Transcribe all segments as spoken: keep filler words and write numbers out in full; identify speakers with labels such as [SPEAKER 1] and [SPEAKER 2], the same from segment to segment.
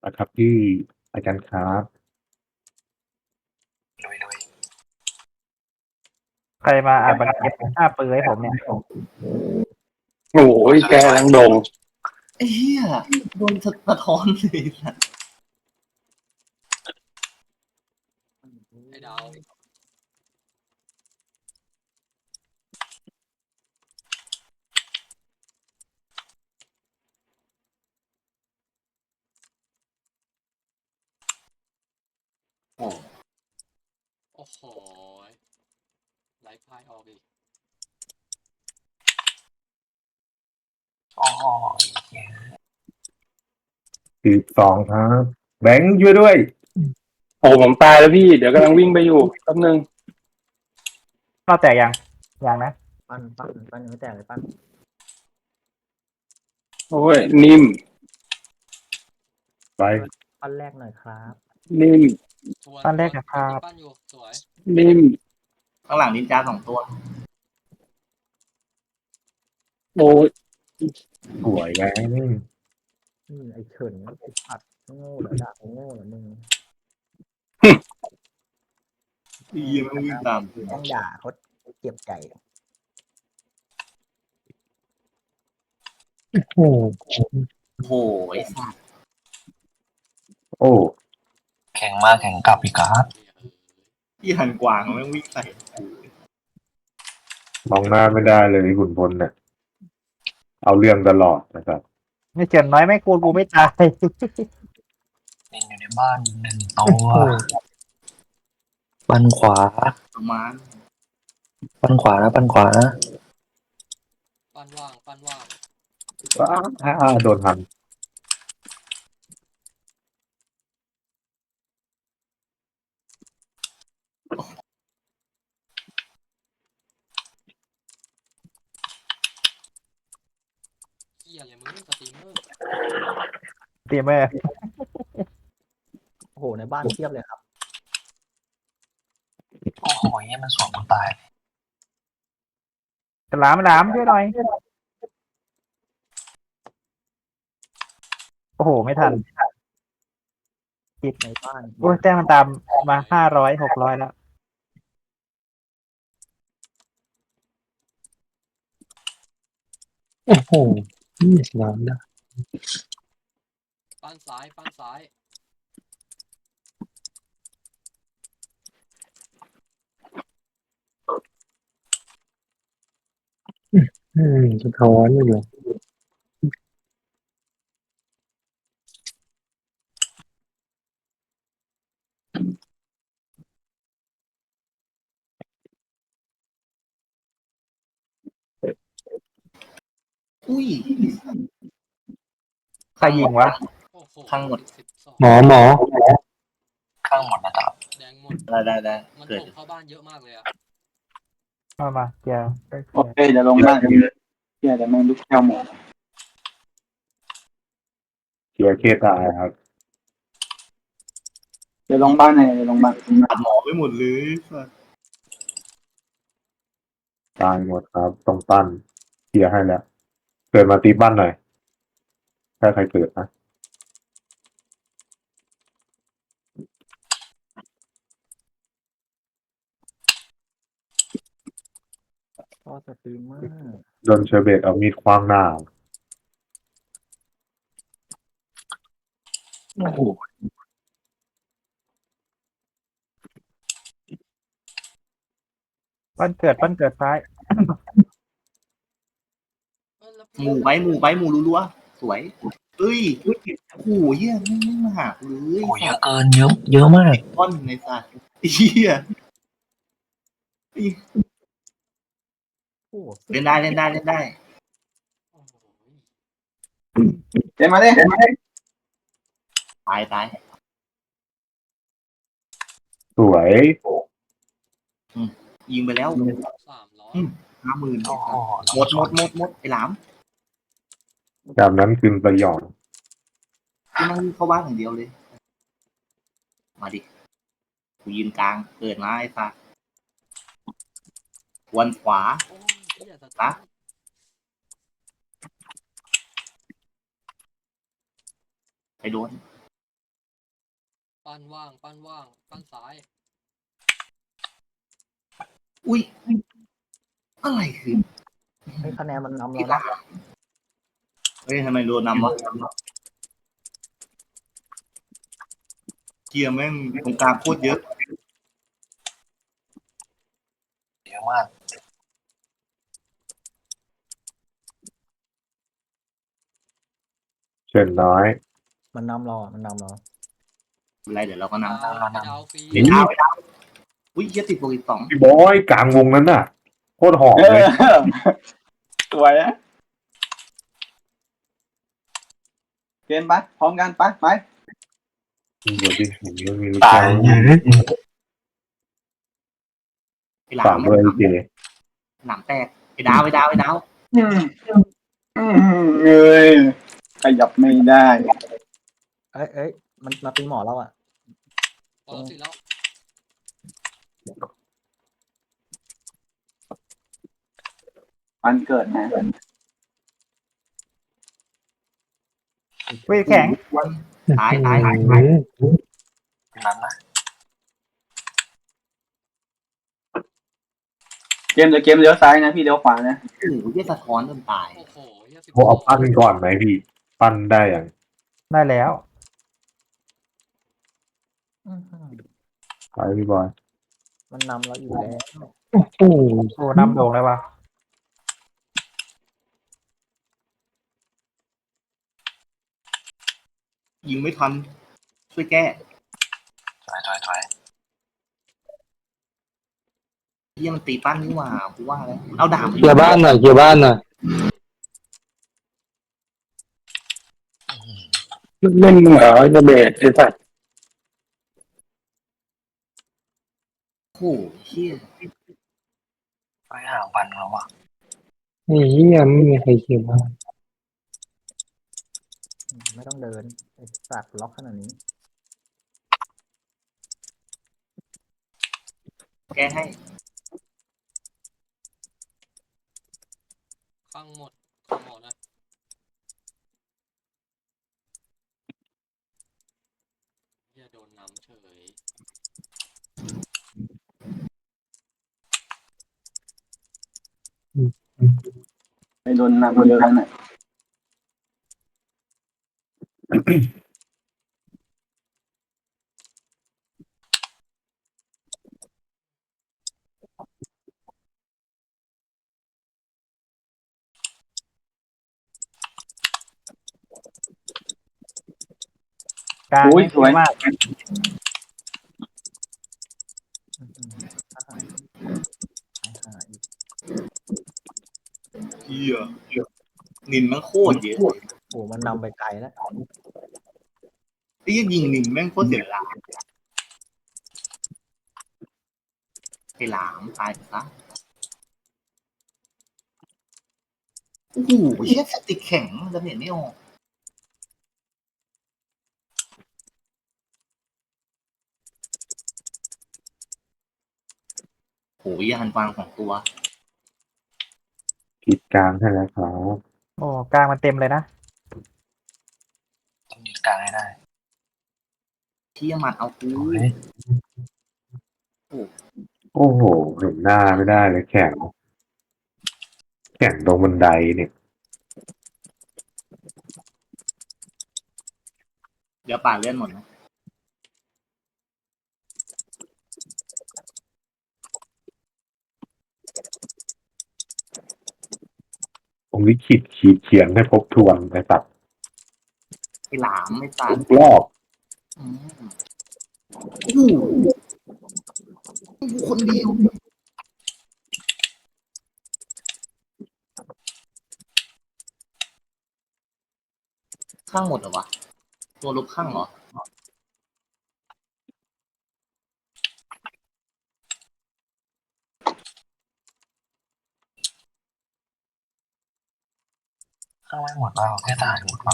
[SPEAKER 1] นะครับที่อาจารย์ครับ
[SPEAKER 2] ลุยลุย
[SPEAKER 3] ใครมาอัดบันเก็บหน้าปืนให้ผมเนี่ย
[SPEAKER 4] โอ้ยแกลังดง
[SPEAKER 2] ไอ้เหี้ยโดนสะท้อนเลยสัตว์
[SPEAKER 5] ไอ้ดาว
[SPEAKER 2] โอ้
[SPEAKER 5] โอ้โหไลฟ์พายออกอีก
[SPEAKER 2] อ๋อ
[SPEAKER 1] สิบสองครับแบงค์ช่วยด้วย
[SPEAKER 4] โอ้ผมตายแล้วพี่ เดี๋ยวกำลังวิ่งไปอยู่แป๊บนึง
[SPEAKER 3] เข้าแตกยังยังนะ
[SPEAKER 6] ปั้นปั้นปั้นยังไม่แตกเลยปั้น
[SPEAKER 4] โอ้ยนิ่ม
[SPEAKER 1] ไป
[SPEAKER 6] ปั้นแรกหน่อยครับ
[SPEAKER 4] นิ่ม
[SPEAKER 5] ทวน
[SPEAKER 3] ปั้นแรกนะครับ
[SPEAKER 5] ปั้นอยู่สวย
[SPEAKER 4] นิ่ม
[SPEAKER 2] ข้างหลังนินจาสองตัว
[SPEAKER 4] โอ้ย
[SPEAKER 1] สวยแบงค์
[SPEAKER 6] อืมไอ้เฉินไอ้ผัดโง่เหรอด่าโง่เหรอมึง
[SPEAKER 2] ไอ้เหี้ยมันวิ่งตาม
[SPEAKER 6] ต้องด่าเขาเจ็บใจ
[SPEAKER 4] โอ้
[SPEAKER 2] โอ้โหไอ้สัตว์
[SPEAKER 1] โอ้
[SPEAKER 2] แข็งมากแข็งกลับอีกครับ
[SPEAKER 5] เหี้ยเออ
[SPEAKER 2] พี่หันกวางมันวิ่งใส่
[SPEAKER 1] มองหน้าไม่ได้เลยขุนพลเนี่ยเอาเรื่องตลอดนะครับ
[SPEAKER 3] ไม่เจนน้อยไม่กูกูไม่ตาย
[SPEAKER 2] เป็นอยู่ในบ้านหนึ่งตัวปันขวาประมาณปันขวานะปันขวานะ
[SPEAKER 5] ปั้นว่างปั้นว่าง
[SPEAKER 1] อ้าอ้าโดนทัน
[SPEAKER 5] เหี้ยอะไรมึงสตรีมเมอร์
[SPEAKER 3] เตรียมไว้
[SPEAKER 6] โอ้โหในบ้านเทียบเลยครับ
[SPEAKER 2] โอ้โหเนี่ยมันสวนกูตาย
[SPEAKER 3] ฉลามฉลามช่วยหน่อยโอ้โหไม่ทัน
[SPEAKER 6] ในบ้าน
[SPEAKER 3] โอ้ยแต้มมันตามมาห้าร้อยหกร้อยแล้ว
[SPEAKER 4] โอ้โหนี่สนามนะ
[SPEAKER 5] ปั้นซ้ายปั้นซ้าย
[SPEAKER 4] อืมสะท้อนอยู่
[SPEAKER 2] อุ้ย
[SPEAKER 3] ใครยิงวะ
[SPEAKER 5] โอ้โห
[SPEAKER 2] ทั้งหมด
[SPEAKER 5] สิบสอง
[SPEAKER 4] หมอหมอ
[SPEAKER 2] ข้างหมดนะครับ
[SPEAKER 5] แดงหมด
[SPEAKER 2] ได้ได้ได้
[SPEAKER 5] มัน
[SPEAKER 2] เกิด
[SPEAKER 5] ถมเข้าบ้านเยอะมากเลยอะ
[SPEAKER 3] มามาเกียร์
[SPEAKER 4] โอเคเดี๋ยวลงบ้านกันเลยเดี๋ยวแม่งลุกแก้วหมอ
[SPEAKER 1] เกียร์เคตายครับ
[SPEAKER 4] เดี๋ยวลงบ้านไงเดี๋ยวลงบ้าน
[SPEAKER 2] ตัดหมอไปหมดเลยสัตว์
[SPEAKER 1] ตายหมดครับต้องปั้นเกียร์ให้แล้วเกิดมาตีบ้านหน่อยถ้าใครเกิดนะ
[SPEAKER 6] ก็สตรีมเมอร์
[SPEAKER 1] โดนเชอร์เบตเอามีดคว้างหน้า
[SPEAKER 4] โอ้โห
[SPEAKER 3] ปั้นเกิดปั้นเกิดซ้าย
[SPEAKER 5] เออแล้ว
[SPEAKER 2] หมูไว้หมูไว้หมูรัวๆสวยเอ้ยโอ้โหเหี้ยไม่ไม่มาหากูเลย
[SPEAKER 7] โอ้ยเยอะเกินเยอะเยอะมาก
[SPEAKER 2] ต้นในสัตว์เหี้ย
[SPEAKER 6] โอ้โห
[SPEAKER 2] เล่นได้เล่นได้เล่นได้
[SPEAKER 5] โอ้โห
[SPEAKER 4] เดี๋ยวมาเลย
[SPEAKER 2] ตายตาย
[SPEAKER 1] สวย
[SPEAKER 2] ยิงไปแล้ว
[SPEAKER 5] สามร้อย
[SPEAKER 2] ห้าหมื่น
[SPEAKER 7] โอ้โห
[SPEAKER 2] หมดหมดหมดหมดไอ้หลาม
[SPEAKER 1] จากนั้นคืนสยอง
[SPEAKER 2] กูนั่งเข้าบ้านอย่างเดียวเลย มาดิกูยืนกลางเกิดมาไอ้สัตว์วันขวา
[SPEAKER 5] โอ้ยเหี้ยสตรี
[SPEAKER 2] ปะ
[SPEAKER 5] ม
[SPEAKER 2] ไปโดน
[SPEAKER 5] ปั้นว่างปั้นว่างปั้นซ้าย
[SPEAKER 2] อุ้ยอะไรคือ
[SPEAKER 6] เฮ้ยคะแนนมันนำ
[SPEAKER 2] กี
[SPEAKER 6] เรา
[SPEAKER 2] ฬา
[SPEAKER 6] นะ
[SPEAKER 2] เฮ้ยทำไมโดนนำวะเกียร์แม่งตรงกลางโคตรเยอะ
[SPEAKER 7] เยอะมาก
[SPEAKER 1] เชิญน้อย
[SPEAKER 6] มันนำเราอ่ะมันนำเรา
[SPEAKER 2] อะไรเดี๋ยวเราก็นำ
[SPEAKER 5] ดาวไปดาวฟรี
[SPEAKER 2] เดี๋ยวดาวไปดาวอุ้ยเหี้ยติดโปรอีกสอง
[SPEAKER 1] พี่บอยกลางวงนั้นน่ะโคตรหอม
[SPEAKER 4] เอ
[SPEAKER 1] เลย
[SPEAKER 4] อสวยอะเกมปะพร้อมกันปะไป
[SPEAKER 1] เดี๋ยวดิผมยังมีลูก
[SPEAKER 7] ตาย
[SPEAKER 1] แก้ว
[SPEAKER 7] เยอะ
[SPEAKER 2] ไอ้หลา
[SPEAKER 1] สาม
[SPEAKER 2] ม
[SPEAKER 1] ด้วยเจ
[SPEAKER 2] หลามแตกไอ้ดาวไอ้ดาวไอ้ดาว
[SPEAKER 4] อืมอืมเอ้ยขยับไม่ได้
[SPEAKER 6] เอ้ยเอ้ยมันมาตีหมอเราอ่ะ
[SPEAKER 5] พอแล้วสิแล้ว
[SPEAKER 4] มันเกิดนะ
[SPEAKER 3] เว้ยแข็ง
[SPEAKER 2] ตายตายตาย
[SPEAKER 7] นั้นนะ
[SPEAKER 4] เกมเดี๋ยวเกมเลี้ยวซ้ายนะพี่เลี้ยวขวานะ
[SPEAKER 2] โอ้โหเหี้ยสะท้อนจนตาย
[SPEAKER 5] โอ้โหเหี้ยสิบ
[SPEAKER 1] โอ้เอาปั้นก่อนไหมพี่ ปั้นได้อย่าง
[SPEAKER 3] ได้แล้ว
[SPEAKER 6] อื้อหือ
[SPEAKER 1] ไปพี่บอย
[SPEAKER 6] มันนำเราอีกแล้ว
[SPEAKER 7] โอ้โห
[SPEAKER 3] โอ้นำโด่งเลยว่ะ
[SPEAKER 2] ยิงไม่ทันช่วยแก้
[SPEAKER 7] ถอยถอยถอย
[SPEAKER 2] เฮียมันตีปั้นนี่หว่ากูว่าแล้วเอาดาบ
[SPEAKER 4] เกียร์บ้านหน่อยเกียร์บ้านหน่อยเล่นเหรอจะเบสไอ้สัตว์
[SPEAKER 2] โอ้โหเฮีย
[SPEAKER 7] ไฟห่างพันแล้วอ่ะ
[SPEAKER 4] ไอ้เหี้ยไม่มีใครเกียร์บ้าน
[SPEAKER 6] อืมไม่ต้องเดินไอ้สัตว์ล็อกขนาดนี้
[SPEAKER 2] แก้ให้
[SPEAKER 5] ข้างหมดข้างหมดนะเหี้ยโดนน้ำเฉย
[SPEAKER 4] ไปโดนนำเยอะน่ะ嗯
[SPEAKER 3] กลาง
[SPEAKER 4] โอ้ย
[SPEAKER 3] ไม่
[SPEAKER 4] สวย
[SPEAKER 3] มาก
[SPEAKER 6] อื้อหือถ้าหายหายอีก
[SPEAKER 2] เฮียนินแม่งโคตรเยอะ
[SPEAKER 6] โอ้มันนำไปไกลแล้ว
[SPEAKER 2] ไอ้เหี้ยยิงนินแม่งโคตรเสียเวลาไอ้หลามตายไปซะโอ้โหเฮียสติกแข็งจะเห็นไม่ออกโหยานฟางของตัว
[SPEAKER 1] กิดกลางให้แล้วครับ
[SPEAKER 3] โอ้กลางมันเต็มเลยนะ
[SPEAKER 7] ต้องยึดกลางให้ได้
[SPEAKER 2] เที่ยมันเอากู
[SPEAKER 7] โอ้ย
[SPEAKER 1] โอ้โห เห็นหน้าไม่ได้เลยแข่ง แข่งตรงบันไดเนี่ย
[SPEAKER 2] เดี๋ยวป่าเลื่อนหมดนะ
[SPEAKER 1] ผมลิขิตขีดเขียนให้ทบทวนไอ้สัตว์
[SPEAKER 2] ไอ้หลามไม่ตาย
[SPEAKER 1] ทุกรอบ
[SPEAKER 2] อืมโอ้โหคนเดียวข้างหมดเหรอวะ ตัวลบข้างเหรอ
[SPEAKER 7] ข้างไม่หมดเปล่าแค่ตายหมดเปล่า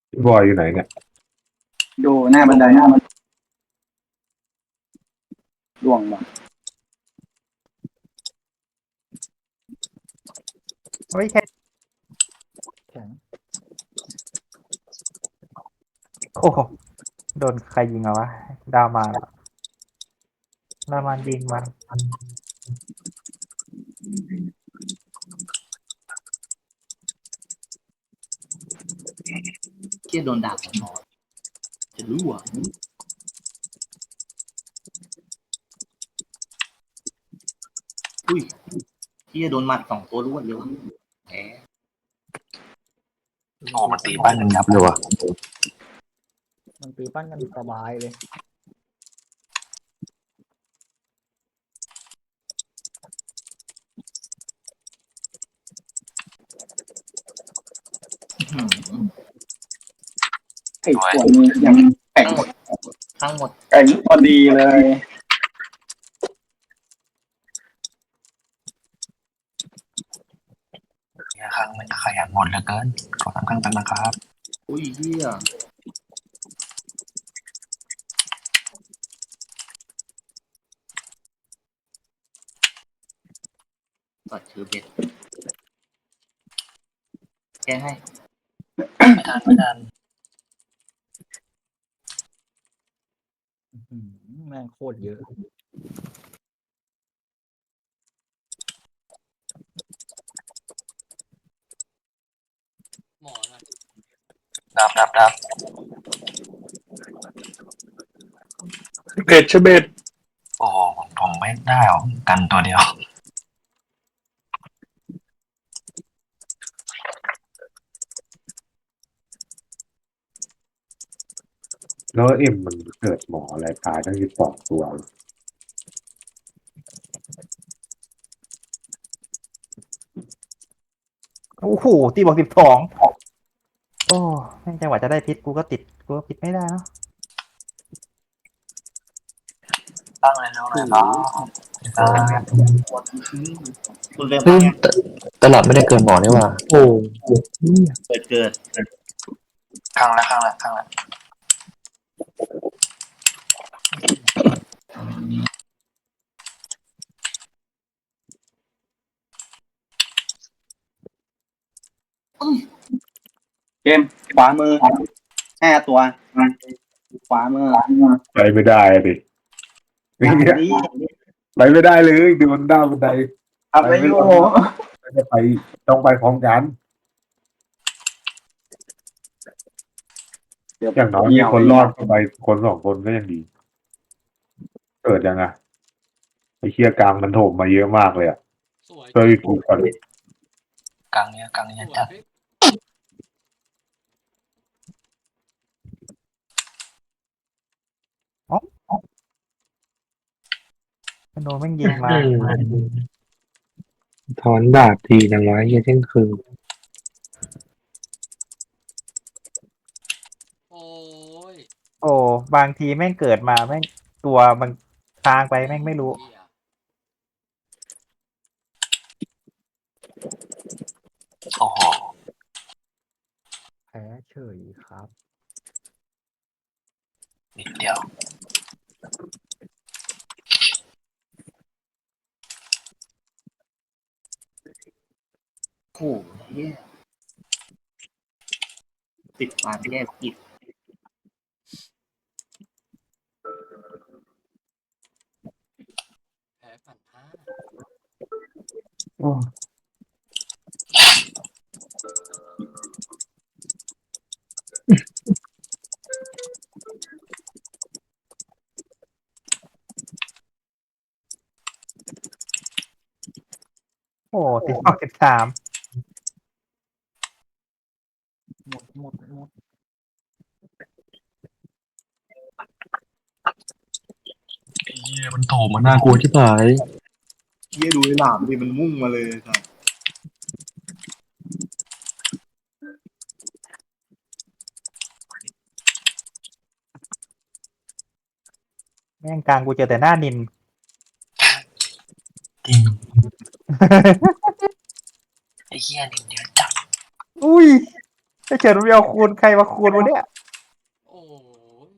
[SPEAKER 1] พี่บอยอยู่ไหนเนี่ย
[SPEAKER 4] ดูหน้าบันไดหน้ามันล่วงมา
[SPEAKER 3] เฮ้ยแค่
[SPEAKER 6] แข็ง
[SPEAKER 3] โอ้โหโดนใครยิงเอาวะดาวมาเหรอดาวมายิงมา
[SPEAKER 2] เที่ยโดนดาบสองหมอจะรู้อ่ะอุ้ยเที่ยโดนหมัดสองตัวรวดเลยวะแหม
[SPEAKER 7] โอ้มันตีบ้านกันยับเลยว่ะ
[SPEAKER 6] มันตีปั้นกันสบายเลย
[SPEAKER 2] อื้อหือ
[SPEAKER 4] ไอ้ตัวนี้ยังแข็ง
[SPEAKER 2] ทั้งหมดทั้งหมด
[SPEAKER 4] แข็งพอดีเลย
[SPEAKER 7] เนี่ยครั้งมันขยันหมดเหลือเกินขอตั้งครั้งตั้งนะครับ
[SPEAKER 2] อุ้ยเที่ยตัดเชือเบ็ดแกงให้
[SPEAKER 7] ไม่ทันไม่ทัน
[SPEAKER 6] อื้อหือแม่งโคตรเยอะ
[SPEAKER 5] หมอนะ
[SPEAKER 7] ดับดับดับ
[SPEAKER 4] เบ็ดชะเบ็ด
[SPEAKER 7] โอ้โหผมผมไม่ได้หรอกกันตัวเดียว
[SPEAKER 1] แล้วเอ็มมันเกิดหมออะไรตายตั้งยี่สิบสองตัว
[SPEAKER 3] โอ้โหตีบอกสิบสองโอ้แม่งจังหวะจะได้พิษกูก็ติดกูก็พิษไม่ได้เนาะ
[SPEAKER 7] ตั้งเลยเร็วเลยครับ
[SPEAKER 2] คุณเริ่ม
[SPEAKER 8] เฮ้ยตตลอดไม่ได้เกินหมอนี่หว่า
[SPEAKER 6] โอ้
[SPEAKER 2] เกิดเกิด
[SPEAKER 7] ครั้งละครั้งละครั้งละ
[SPEAKER 4] เกมขวามือห้าตัวขวามือ
[SPEAKER 1] ไปไม่ได้อะดิ
[SPEAKER 4] อัน
[SPEAKER 1] เนี่ย
[SPEAKER 4] นี้
[SPEAKER 1] ไปไม่ได้เลยโดนด้าวบันได
[SPEAKER 4] อะไรอยู่
[SPEAKER 1] ไม่ได้ไปต้องไปพร้อมกัน
[SPEAKER 4] เดี๋ยว
[SPEAKER 1] อย่างน้อยมีคนรอดก็ไปคนสองคนก็ยังดี เกิดยังไงไอ้เคียกลางมันโถมมาเยอะมากเลยอ่ะ
[SPEAKER 5] สวย
[SPEAKER 1] ช่วยกูก่อน
[SPEAKER 7] กลางเนี้ยกลางเนี้
[SPEAKER 5] ส
[SPEAKER 7] ย
[SPEAKER 5] วย
[SPEAKER 7] จัด
[SPEAKER 5] พี่
[SPEAKER 3] โดนแม่งยิงมา
[SPEAKER 8] ถอนดาบทีดังไว้เหี้ยเที่ยงคืน
[SPEAKER 5] โอ้ย
[SPEAKER 3] โอ้บางทีแม่งเกิดมาแม่งตัวมันทางไปแม่งไม่รู้
[SPEAKER 5] เหี้ย
[SPEAKER 7] โอ้โห
[SPEAKER 6] แพ้เฉยครับ
[SPEAKER 7] นิดเดียว
[SPEAKER 2] โอ้โหเที่ยติดความแย่กิจ
[SPEAKER 5] แพ้ปั่นห้า
[SPEAKER 1] โอ้
[SPEAKER 3] โอ้ติดสองสิบสาม
[SPEAKER 6] หมดหมดหมด
[SPEAKER 8] เหี้ยมันโถมมาน่ากลัวที่ผาย
[SPEAKER 2] เที่ยดูไอ้หลามดิมันมุ่งมาเลยครับ
[SPEAKER 3] แม่งกลางกูเจอแต่หน้านิน
[SPEAKER 7] จริงไอ้เหี้ยนิดเดียวจัด
[SPEAKER 3] อุ้ยไอ้เฉินมันเอาคูณใครมาคูณวะเนี่ย
[SPEAKER 5] โอ้ย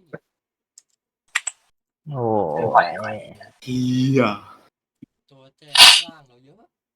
[SPEAKER 3] โอ้
[SPEAKER 7] ไหวไหว
[SPEAKER 2] เฮีย
[SPEAKER 5] ตัวแจกข้างล่างเราเยอะ